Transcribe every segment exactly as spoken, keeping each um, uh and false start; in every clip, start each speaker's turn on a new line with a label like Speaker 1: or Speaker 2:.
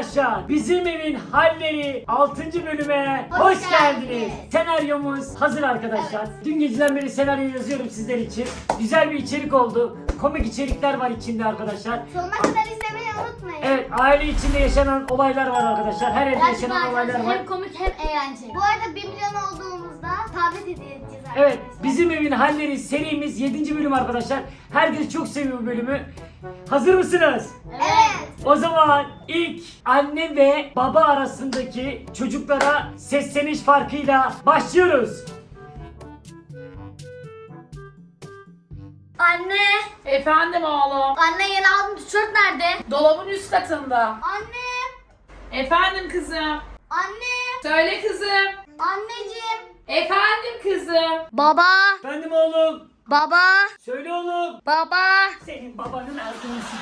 Speaker 1: arkadaşlar, Bizim Evin Halleri altıncı bölüme hoş,
Speaker 2: Hoş
Speaker 1: geldiniz.
Speaker 2: geldiniz.
Speaker 1: Senaryomuz hazır arkadaşlar.
Speaker 2: Evet.
Speaker 1: Dün geceden beri senaryo yazıyorum sizler için. Güzel bir içerik oldu. Komik içerikler var içinde arkadaşlar.
Speaker 2: Sonuna kadar izlemeyi unutmayın.
Speaker 1: Evet, aile içinde yaşanan olaylar var arkadaşlar. Her evde
Speaker 3: Gerçekten
Speaker 1: yaşanan olaylar
Speaker 3: arkadaşlar
Speaker 1: var.
Speaker 3: hem komik hem eğlenceli.
Speaker 2: Bu arada bir milyon olduğumuzda tablet hediye edeceğiz arkadaşlar.
Speaker 1: Evet, Bizim Evin Halleri serimiz yedinci bölüm arkadaşlar. Herkes çok seviyor bu bölümü. Hazır mısınız?
Speaker 2: Evet.
Speaker 1: O zaman ilk anne ve baba arasındaki çocuklara sesleniş farkıyla başlıyoruz.
Speaker 3: Anne!
Speaker 4: Efendim oğlum.
Speaker 3: Anne yeni aldığım tişört nerede?
Speaker 4: Dolabın üst katında.
Speaker 2: Anne.
Speaker 4: Efendim kızım.
Speaker 2: Anne.
Speaker 4: Söyle kızım.
Speaker 2: Anneciğim.
Speaker 4: Efendim kızım.
Speaker 3: Baba!
Speaker 1: Efendim oğlum.
Speaker 3: Baba!
Speaker 1: Söyle oğlum.
Speaker 3: Baba!
Speaker 1: Senin babanın ağzını sik.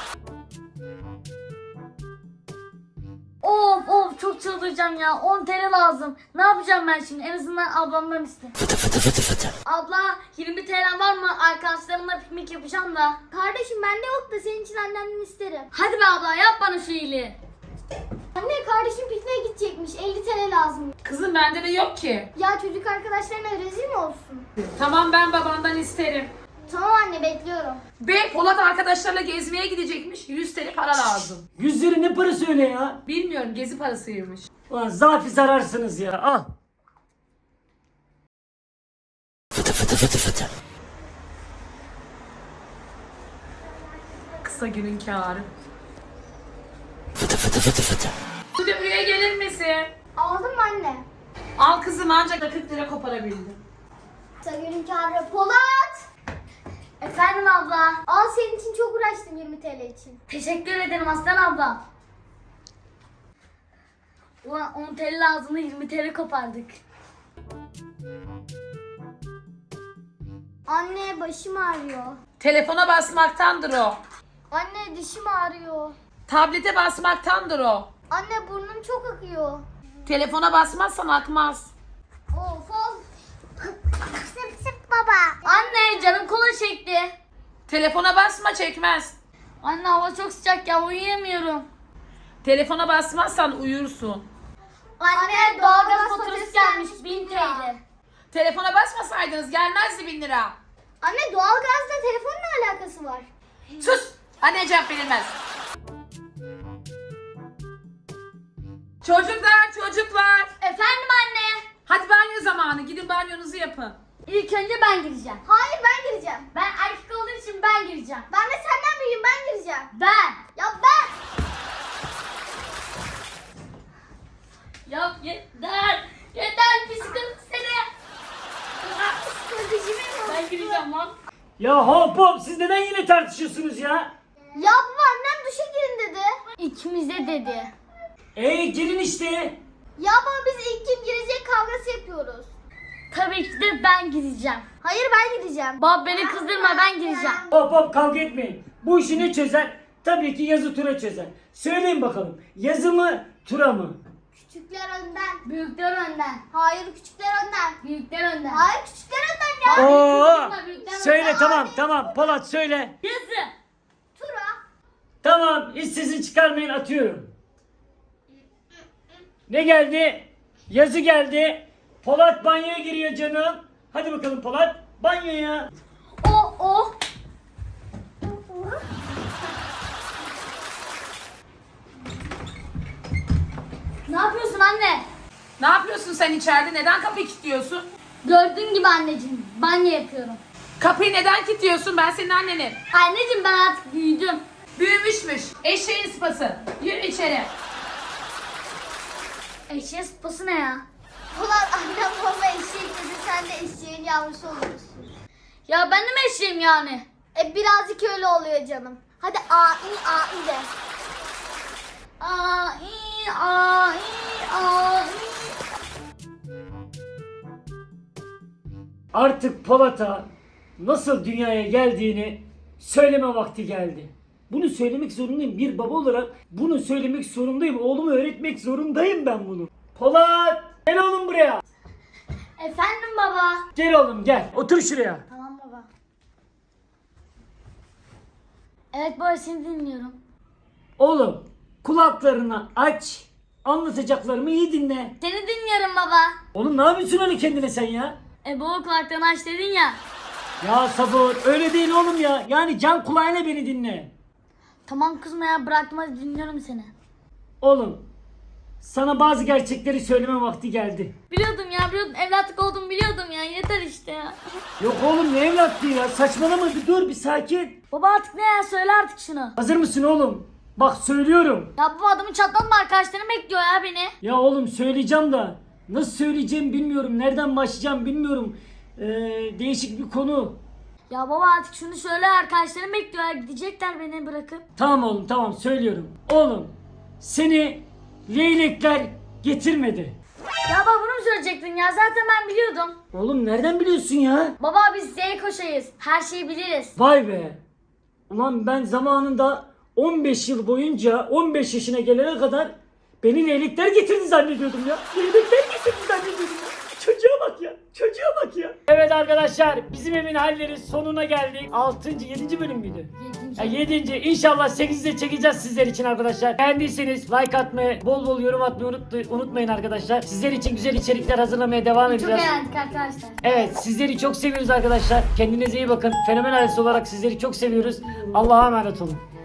Speaker 3: Of of çok çıldıracağım ya. on T L lazım. Ne yapacağım ben şimdi? En azından ablamdan iste. Abla yirmi T L var mı? Arkadaşlarımla piknik yapacağım da.
Speaker 2: Kardeşim bende yok da senin için annemden isterim.
Speaker 3: Hadi be abla yap bana şu iyiliği.
Speaker 2: Anne kardeşim pikniğe gidecekmiş. elli T L lazım.
Speaker 4: Kızım bende de yok ki.
Speaker 2: Ya çocuk arkadaşlarına rezil mi olsun?
Speaker 4: Tamam ben babandan isterim.
Speaker 2: Tamam anne bekliyorum.
Speaker 4: Ve Polat arkadaşlarla gezmeye gidecekmiş. yüz T L para lazım.
Speaker 1: Yüz lira ne parası öyle ya?
Speaker 4: Bilmiyorum gezi parasıymış.
Speaker 1: Ulan zafi zararsınız ya. Al.
Speaker 4: Kısa günün kârı. Bu da buraya gelir misin?
Speaker 2: Aldın mı anne?
Speaker 4: Al kızım ancak kırk lira koparabildim.
Speaker 2: Sagül'ün kârı. Polat.
Speaker 3: Efendim abla.
Speaker 2: Al senin için çok uğraştım yirmi T L için.
Speaker 3: Teşekkür ederim aslan abla. Ulan on T L lazımdı yirmi T L kopardık.
Speaker 2: Anne başım ağrıyor.
Speaker 4: Telefona basmaktandır o.
Speaker 2: Anne dişim ağrıyor.
Speaker 4: Tablete basmaktandır o.
Speaker 2: Anne burnum çok akıyor.
Speaker 4: Telefona basmazsan akmaz.
Speaker 2: Of of. Sıp sıp baba.
Speaker 3: Anne canım kola çekti.
Speaker 4: Telefona basma çekmez.
Speaker 3: Anne hava çok sıcak ya uyuyamıyorum.
Speaker 4: Telefona basmazsan uyursun.
Speaker 3: Anne doğalgaz faturası gelmiş bin T L.
Speaker 4: Telefona basmasaydınız gelmezdi bin lira.
Speaker 2: Anne doğalgazla telefonun ne alakası var?
Speaker 4: Sus! Anne cevap verilmez. Çocuklar çocuklar.
Speaker 3: Efendim anne.
Speaker 4: Hadi banyo zamanı. Gidin banyonuzu yapın.
Speaker 3: İlk önce ben gireceğim.
Speaker 2: Hayır ben gireceğim.
Speaker 3: Ben erkek olduğum için ben gireceğim.
Speaker 2: Ben de senden büyüğüm ben gireceğim.
Speaker 3: Ben.
Speaker 2: Ya ben.
Speaker 3: Ya yeter. Yeter psikolojik seni.
Speaker 2: Kardeşim
Speaker 3: Ben gireceğim lan.
Speaker 1: Ya hop hop, siz neden yine tartışıyorsunuz ya?
Speaker 2: Ya baba annem duşa girin dedi.
Speaker 3: İkimize dedi.
Speaker 1: Ey gelin işte.
Speaker 2: Ya baba biz ilk kim girecek kavgası yapıyoruz.
Speaker 3: Tabii ki de ben gireceğim.
Speaker 2: Hayır ben gireceğim.
Speaker 3: Bab beni kızdırma ben gireceğim.
Speaker 1: Hop hop, kavga etmeyin. Bu işi ne çözer? Tabii ki yazı tura çözer. Söyleyin bakalım. Yazı mı tura mı?
Speaker 2: Küçükler önden.
Speaker 3: Büyükler önden.
Speaker 2: Hayır küçükler önden.
Speaker 3: Büyükler önden.
Speaker 2: Hayır küçükler önden ya.
Speaker 1: Oo!
Speaker 3: büyükler
Speaker 1: Söyle
Speaker 3: önden.
Speaker 1: tamam tamam Polat söyle.
Speaker 3: Yazı.
Speaker 2: Tura.
Speaker 1: Tamam, hiç sesini çıkarmayın, atıyorum. Ne geldi? Yazı geldi. Polat banyoya giriyor canım. Hadi bakalım Polat, banyoya.
Speaker 3: O o. Ne yapıyorsun anne?
Speaker 4: Ne yapıyorsun sen içeride? Neden kapıyı kilitliyorsun?
Speaker 3: Gördüğün gibi anneciğim banyo yapıyorum.
Speaker 4: Kapıyı neden kilitliyorsun? Ben senin annenim.
Speaker 3: Anneciğim ben artık büyüdüm.
Speaker 4: Büyümüşmüş. Eşeğin sıpası. Yürü içeri.
Speaker 3: Eşeğe sıpası ne ya?
Speaker 2: Polat annem baba eşek dedi sen de eşeğin yavrusu oluyorsun.
Speaker 3: Ya ben de mi eşeğim yani?
Speaker 2: E birazcık öyle oluyor canım. Hadi a i a i de.
Speaker 3: Aa, i, aa, i, aa, i.
Speaker 1: Artık Polat'a nasıl dünyaya geldiğini söyleme vakti geldi. Bunu söylemek zorundayım. Bir baba olarak bunu söylemek zorundayım. Oğluma öğretmek zorundayım ben bunu. Polat! Gel oğlum buraya.
Speaker 3: Efendim baba.
Speaker 1: Gel oğlum gel. Otur şuraya.
Speaker 3: Tamam baba. Evet baba seni dinliyorum.
Speaker 1: Oğlum Kulaklarını aç. Anlatacaklarımı iyi dinle.
Speaker 3: Seni dinliyorum baba.
Speaker 1: Oğlum ne yapıyorsun öyle kendine sen ya?
Speaker 3: E baba kulaklarını aç dedin ya.
Speaker 1: Ya sabır öyle değil oğlum ya. Yani can kulağıyla beni dinle.
Speaker 3: Tamam kızma ya, bıraktım, hadi dinliyorum seni.
Speaker 1: Oğlum sana bazı gerçekleri söyleme vakti geldi.
Speaker 3: Biliyordum ya, biliyordum, evlatlık olduğumu biliyordum ya, yeter işte ya.
Speaker 1: Yok oğlum ne evlatlığı ya, saçmalama, bir dur bir sakin.
Speaker 3: Baba artık ne ya, söyle artık şunu.
Speaker 1: Hazır mısın oğlum? Bak söylüyorum.
Speaker 3: Ya bu adamı çatlatma, arkadaşlarım bekliyor ya beni.
Speaker 1: Ya oğlum söyleyeceğim da nasıl söyleyeceğim bilmiyorum. Nereden başlayacağım bilmiyorum. Ee, değişik bir konu.
Speaker 3: Ya baba artık şunu söyle, arkadaşlarım bekliyor ya, gidecekler beni bırakıp.
Speaker 1: Tamam oğlum tamam söylüyorum. Oğlum seni leylekler getirmedi.
Speaker 3: Ya baba bunu mu söyleyecektin ya, zaten ben biliyordum.
Speaker 1: Oğlum nereden biliyorsun ya?
Speaker 3: Baba biz Z koşayız, her şeyi biliriz.
Speaker 1: Vay be. Ulan ben zamanında on beş yıl boyunca on beş yaşına gelene kadar beni leylekler getirdi zannediyordum ya. Leylekler getirdi zannediyordum ya. Çocuğa bak ya. Çocuğa bak ya. Evet arkadaşlar bizim evin halleri sonuna geldik. altıncı yedinci bölüm müydü?
Speaker 3: Yedinci.
Speaker 1: Ya yedinci İnşallah sekizde çekeceğiz sizler için arkadaşlar. Beğendiyseniz like atmayı, bol bol yorum atmayı unut- unutmayın arkadaşlar. Sizler için güzel içerikler hazırlamaya devam
Speaker 3: Çok
Speaker 1: edeceğiz.
Speaker 3: eğlendik arkadaşlar.
Speaker 1: Evet sizleri çok seviyoruz arkadaşlar. Kendinize iyi bakın. Fenomen ailesi olarak sizleri çok seviyoruz. Allah'a emanet olun.